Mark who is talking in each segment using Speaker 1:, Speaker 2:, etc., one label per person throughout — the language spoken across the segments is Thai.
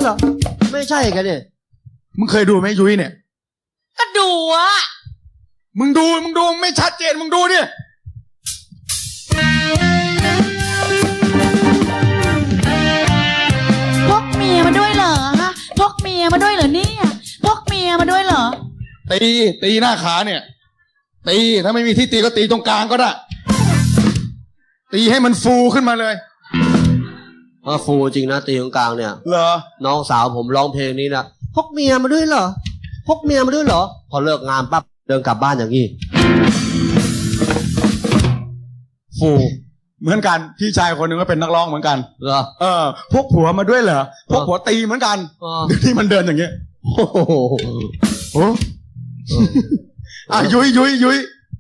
Speaker 1: เหรอไม่ใช่กันเนี่ย
Speaker 2: มึงเคยดูไหมยุ้ยเนี่ย
Speaker 3: ก็ดูอะ
Speaker 2: มึงดูไม่ชัดเจนมึงดูดิ
Speaker 3: พกเมียมาด้วยเหรอฮะพกเมียมาด้วยเหรอเนี่ยพกเมียมาด้วยเหรอ
Speaker 2: ตีหน้าขาเนี่ยตีถ้าไม่มีที่ตีก็ตีตรงกลางก็ได้ตีให้มันฟูขึ้นมาเลย
Speaker 1: ฟูจริงนะตีตรงกลางเนี่ย
Speaker 2: เหรอ
Speaker 1: น้องสาวผมร้องเพลงนี้นะพกเมียมาด้วยเหรอพกเมียมาด้วยเหรอพอเลิกงานปั๊บเดินกลับบ้านอย่างนี้ฟู
Speaker 2: เหมือนกันพี่ชายคนหนึ่งก็เป็นนักร้องเหมือนกัน
Speaker 1: เหรอ
Speaker 2: พกผัวมาด้วยเหรอพกผัวตีเหมือนกันเดี๋ยวนี้มันเดินอย่างเงี้ยโอ้โหยุ้ย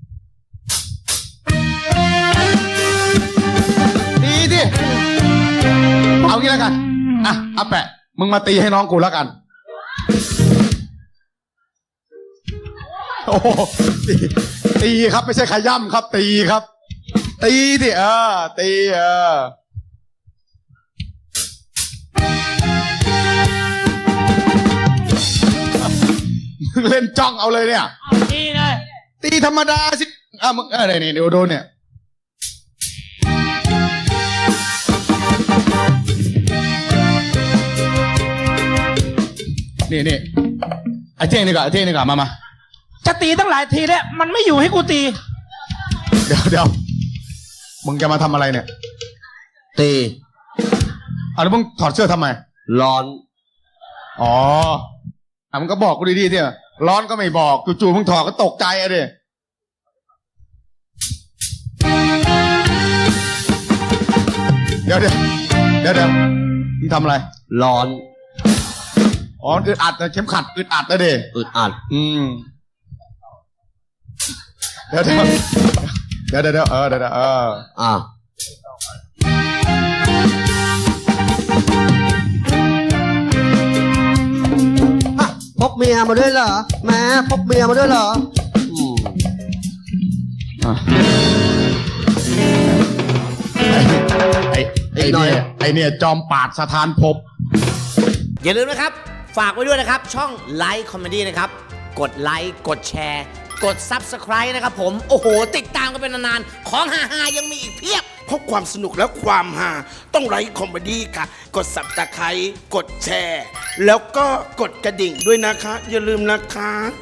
Speaker 2: ตีดิเอางี้แล้วกันอาแปะมึงมาตีให้น้องกูแล้วกันโอ้ตีครับไม่ใช่ขย่ำครับตีครับตีดิตีมึงเล่นจ้องเอาเลยเนี่ย
Speaker 3: ตีเลย
Speaker 2: ตีธรรมดาสิมึงนี่เดี๋ยวโดนเนี่ยนี่ไอ้เท่งนี่ก่อนมา
Speaker 3: จะตีตั้งหลายทีแล้วมันไม่อยู่ให้กูตี
Speaker 2: เดี๋ยวมึงจะมาทำอะไรเนี่ย
Speaker 1: ตี
Speaker 2: แล้วมึงถอดเสื้อทำไม
Speaker 1: ร้อน
Speaker 2: มึงก็บอกกูดีๆเถอะร้อนก็ไม่บอกจู่ๆมึงถอดก็ตกใจอะดิเดี๋ยวมึงทำอะไร
Speaker 1: ร้อน
Speaker 2: อึดอัดเข็มขัดอึดอัดนะเด้
Speaker 1: อึดอัด
Speaker 2: เดี๋ยว
Speaker 1: พกเมียมาด้วยเหรอแม่พกเมียมาด้วยเหรอ
Speaker 2: ไอเนี่ยจอมปาดสถานภพ
Speaker 4: อย่าลืมนะครับฝากไว้ด้วยนะครับช่องไลค์คอมเมดี้นะครับกดไลค์กดแชร์กด Subscribe นะครับผมโอ้โหติดตามกันเป็นนานๆของฮาๆยังมีอีกเพียบ
Speaker 5: เพราะความสนุกและความฮาต้องไลค์คอมเมดี้ค่ะกด Subscribe กดแชร์แล้วก็กดกระดิ่งด้วยนะคะอย่าลืมนะคะ